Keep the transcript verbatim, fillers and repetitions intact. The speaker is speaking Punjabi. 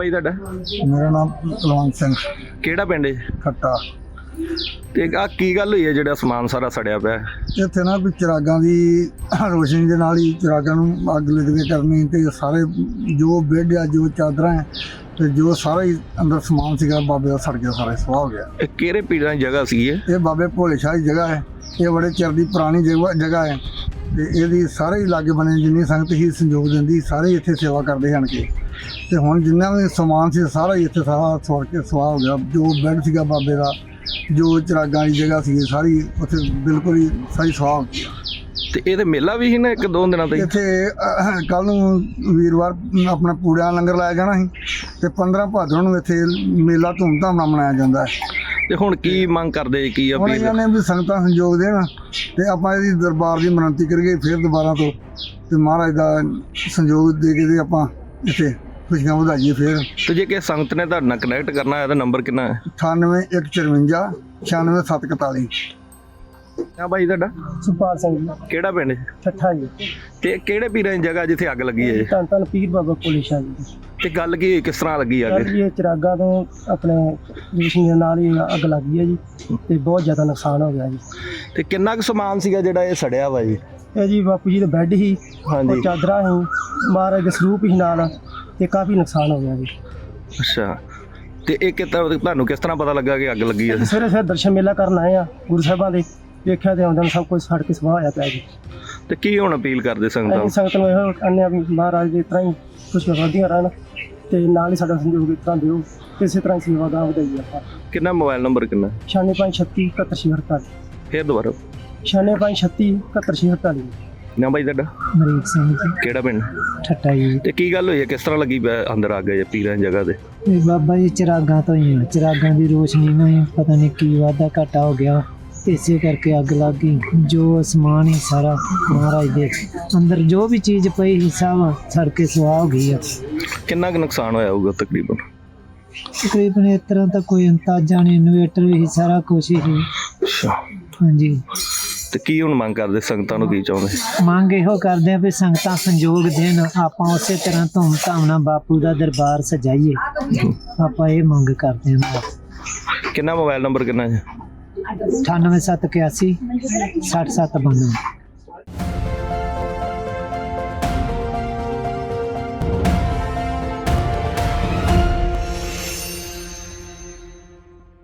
ਭਾਈ ਤੁਹਾਡਾ? ਮੇਰਾ ਨਾਮ ਕੁਲਵੰਤ ਸਿੰਘ। ਕਿਹੜਾ ਪਿੰਡ ਹੈ? ਖੱਟਾ। ਤੇ ਆ ਕੀ ਗੱਲ ਹੋਈ ਹੈ ਜਿਹੜਾ ਸਮਾਨ ਸਾਰਾ ਸੜਿਆ ਪਿਆ? ਇੱਥੇ ਨਾ ਵੀ ਚਿਰਾਗਾਂ ਦੀ ਰੋਸ਼ਨੀ ਦੇ ਨਾਲ ਹੀ ਚਿਰਾਗਾਂ ਨੂੰ ਅੱਗ ਲੱਗੇ ਕਰਨੀ, ਤੇ ਸਾਰੇ ਜੋ ਬੈੱਡ ਆ, ਜੋ ਚਾਦਰਾਂ ਹੈ, ਤੇ ਜੋ ਸਾਰਾ ਹੀ ਅੰਦਰ ਸਮਾਨ ਸੀਗਾ ਬਾਬੇ ਦਾ ਸੜ ਗਿਆ, ਸਾਰਾ ਸਵਾਹ ਹੋ ਗਿਆ। ਇਹ ਕਿਹੜੇ ਪੀਰਾਂ ਦੀ ਜਗ੍ਹਾ ਸੀ ਇਹ? ਇਹ ਬਾਬੇ ਭੋਲੇ ਸ਼ਾਹ ਦੀ ਜਗ੍ਹਾ ਹੈ। ਇਹ ਬੜੇ ਚਿਰ ਦੀ ਪੁਰਾਣੀ ਜਗ੍ਹਾ ਜਗ੍ਹਾ ਹੈ, ਤੇ ਇਹਦੀ ਸਾਰੇ ਹੀ ਲਾਗੇ ਬਣੇ ਜਿੰਨੀ ਸੰਗਤ ਹੀ ਸੰਯੋਗ ਦਿੰਦੀ, ਸਾਰੇ ਇੱਥੇ ਸੇਵਾ ਕਰਦੇ ਹਨ ਕਿ ਤੇ ਹੁਣ ਜਿੰਨਾ ਵੀ ਸਮਾਨ ਸੀ ਸਾਰਾ ਹੀ ਇੱਥੇ ਸਾਰਾ ਸੜ ਕੇ ਸਵਾਹ ਹੋ ਗਿਆ। ਜੋ ਬੈੱਡ ਸੀਗਾ ਬਾਬੇ ਦਾ, ਜੋ ਚਿਰਾਗਾਂ ਦੀ ਜਗ੍ਹਾ ਸੀ, ਸਾਰੀ ਉੱਥੇ ਬਿਲਕੁਲ ਹੀ ਸਾਰੀ ਸਵਾਹ ਹੋ ਗਈ। ਤੇ ਇਹ ਤੇ ਮੇਲਾ ਵੀ ਸੀ ਨਾ ਇੱਕ ਦੋ ਦਿਨਾਂ ਤੱਕ? ਇੱਥੇ ਕੱਲ ਨੂੰ ਵੀਰਵਾਰ ਆਪਣਾ ਪੂੜਿਆਂ ਲੰਗਰ ਲਾਇਆ ਜਾਣਾ ਸੀ, ਤੇ ਪੰਦਰਾਂ ਭਾਦਰੋਂ ਨੂੰ ਇੱਥੇ ਮੇਲਾ ਧੂਮਧਾਮ ਨਾਲ ਮਨਾਇਆ ਜਾਂਦਾ ਹੈ। ਤੇ ਹੁਣ ਕੀ ਮੰਗ ਕਰਦੇ, ਕੀ ਹੁਣ ਅਪੀਲ? ਇਹਨਾਂ ਨੇ ਵੀ ਸੰਗਤਾਂ ਸੰਯੋਗ ਦੇਣ, ਤੇ ਆਪਾਂ ਇਹਦੀ ਦਰਬਾਰ ਦੀ ਮਿਹਨਤੀ ਕਰੀਏ ਫਿਰ ਦੁਬਾਰਾ ਤੋਂ, ਤੇ ਮਹਾਰਾਜ ਦਾ ਸੰਯੋਗ ਦੇ ਕੇ ਤੇ ਆਪਾਂ ਇੱਥੇ ਖੁਸ਼ੀਆਂ ਵਧਾਈਏ ਫਿਰ। ਤੇ ਜੇ ਕਿਸੇ ਸੰਗਤ ਨੇ ਤੁਹਾਡੇ ਨਾਲ ਕਨੈਕਟ ਕਰਨਾ ਹੈ ਤਾਂ ਨੰਬਰ ਕਿੰਨਾ ਹੈ? ਅਠਾਨਵੇਂ ਇੱਕ ਚੁਰੰਜਾ ਛਿਆਨਵੇਂ ਸੱਤ ਇਕਤਾਲੀ। ਹਾਂ ਭਾਈ ਤੁਹਾਡਾ? ਸੁਪਾਲ ਸਿੰਘ ਜੀ, ਕਿਹੜਾ ਪਿੰਡ? ਠੱਠਾ ਜੀ। ਤੇ ਕਿਹੜੇ ਪੀਰਾਂ ਦੀ ਜਗ੍ਹਾ ਜਿੱਥੇ ਅੱਗ ਲੱਗੀ ਹੈ? ਧੰਨ ਧੰਨ ਪੀਰ ਬਾਬਾ ਭੋਲੇ ਸ਼ਾਹ ਜੀ। ਤੇ ਗੱਲ ਕੀ ਹੋਈ, ਕਿਸ ਤਰ੍ਹਾਂ ਲੱਗੀ ਅੱਗ? ਸਰ ਜੀ, ਇਹ ਚਿਰਾਗਾ ਤੋਂ ਆਪਣੇ ਰੋਸ਼ਨੀ ਦੇ ਨਾਲ ਹੀ ਅੱਗ ਲੱਗ ਗਈ ਹੈ ਜੀ, ਤੇ ਬਹੁਤ ਜ਼ਿਆਦਾ ਨੁਕਸਾਨ ਹੋ ਗਿਆ ਜੀ। ਤੇ ਕਿੰਨਾ ਕੁ ਸਮਾਨ ਸੀਗਾ ਜਿਹੜਾ ਇਹ ਸੜਿਆ ਵਾ ਜੀ? ਇਹ ਜੀ ਬਾਪੂ ਜੀ ਦਾ ਬੈੱਡ ਸੀ, ਹਾਂਜੀ। ਉਹ ਚਾਦਰਾਂ ਸੀ, ਮਹਾਰਾਜ ਦੇ ਸਰੂਪ ਸੀ ਨਾਲ, ਤੇ ਕਾਫੀ ਨੁਕਸਾਨ ਹੋ ਗਿਆ ਜੀ। ਅੱਛਾ, ਤੇ ਇਹ ਕਿਤਾ ਤੁਹਾਨੂੰ ਕਿਸ ਤਰ੍ਹਾਂ ਪਤਾ ਲੱਗਾ ਕਿ ਅੱਗ ਲੱਗੀ ਹੈ? ਸਵੇਰੇ ਸਵੇਰੇ ਦਰਸ਼ਨ ਮੇਲਾ ਕਰਨ ਆਏ ਆ ਗੁਰੂ ਸਾਹਿਬਾਂ ਦੇ, ਵੇਖਿਆ ਤੇ ਆਉਂਦਿਆਂ ਸਭ ਕੁਝ ਸੜ ਕੇ ਸਵਾਹ ਹੋਇਆ ਪਿਆ ਜੀ। ਤੇ ਕੀ ਹੁਣ ਅਪੀਲ ਕਰਦੇ ਸੰਗਤਾਂ ਅਸੀਂ ਸੰਗਤ ਨੂੰ ਇਹੋ ਕਹਿੰਦੇ ਆ ਵੀ ਮਹਾਰਾਜ ਦੇ ਤਰ੍ਹਾਂ ਹੀ ਖੁਸ਼ੀਆਂ ਵਧਦੀਆਂ ਰਹਿਣ, ਤੇ ਨਾਲ ਹੀ ਸਾਡਾ ਸੰਯੋਗ ਇਸ ਤਰ੍ਹਾਂ ਦਿਓ, ਇਸੇ ਤਰ੍ਹਾਂ ਹੀ ਸੇਵਾ ਦਾ ਵਧਾਈਏ ਆਪਾਂ। ਕਿੰਨਾ ਮੋਬਾਈਲ ਨੰਬਰ ਕਿੰਨਾ? ਛਿਆਨਵੇਂ ਪੰਜ ਛੱਤੀ ਇਕਹੱਤਰ ਛੇ ਅੜਤਾਲੀ। ਫੇਰ ਦੁਬਾਰਾ? ਛਿਆਨਵੇਂ ਪੰਜ ਛੱਤੀ ਇਕਹੱਤਰ ਛੇ ਅੜਤਾਲੀ। ਨਾ ਭਾਈ ਤੁਹਾਡਾ? ਮਰੀਕ ਸਿੰਘ ਜੀ, ਕਿਹੜਾ ਪਿੰਡ? ਠੱਟਾ ਜੀ। ਤੇ ਕੀ ਗੱਲ ਹੋਈ ਹੈ, ਕਿਸ ਤਰ੍ਹਾਂ ਲੱਗੀ ਪਿਆ ਅੰਦਰ ਅੱਗ ਹੈ ਪੀਰਾਂ ਦੀ ਜਗ੍ਹਾ ਤੇ? ਇਹ ਬਾਬਾ ਜੀ ਚਿਰਾਗਾਂ ਤੋਂ ਹੀ ਆ, ਚਿਰਾਗਾਂ ਦੀ ਰੋਸ਼ਨੀ ਨਾਲ ਹੀ ਪਤਾ ਨਹੀਂ ਕੀ ਵਾਧਾ ਘਾਟਾ ਹੋ ਗਿਆ, ਇਸੇ ਕਰਕੇ ਅੱਗ ਲੱਗ ਗਈ। ਜੋ ਸਮਾਨ ਹੀ ਸਾਰਾ ਮਹਾਰਾਜ ਦੇ ਅੰਦਰ ਜੋ ਵੀ ਚੀਜ਼ ਪਈ ਸੀ ਸਭ ਸੜ ਕੇ ਸੁਆਹ ਹੋ ਗਈ ਆ। ਕਿੰਨਾ ਕੁ ਨੁਕਸਾਨ ਹੋਇਆ ਹੋਊਗਾ ਤਕਰੀਬਨ? ਤਕਰੀਬਨ ਇਸ ਤਰ੍ਹਾਂ ਤਾਂ ਕੋਈ ਅੰਦਾਜ਼ਾ ਨਹੀਂ, ਇਨਵੇਟਰ ਵੀ ਸਾਰਾ ਕੁਛ ਹੀ ਸੀ। ਅੱਛਾ, ਹਾਂਜੀ। ਤੇ ਕੀ ਹੁਣ ਮੰਗ ਕਰਦੇ, ਸੰਗਤਾਂ ਨੂੰ ਕੀ ਚਾਹੁੰਦੇ? ਮੰਗ ਇਹੋ ਕਰਦੇ ਆ ਵੀ ਸੰਗਤਾਂ ਸੰਯੋਗ ਦੇਣ, ਆਪਾਂ ਉਸੇ ਤਰ੍ਹਾਂ ਧੂਮ ਧਾਮ ਨਾਲ ਬਾਪੂ ਦਾ ਦਰਬਾਰ ਸਜਾਈਏ, ਆਪਾਂ ਇਹ ਮੰਗ ਕਰਦੇ ਹਾਂ। ਕਿੰਨਾ ਮੋਬਾਈਲ ਨੰਬਰ ਕਿੰਨਾ ਹੈ? ਅਠਾਨਵੇਂ ਸੱਤ ਇਕਿਆਸੀ ਸੱਠ ਸੱਤ ਬਾਨਵੇਂ।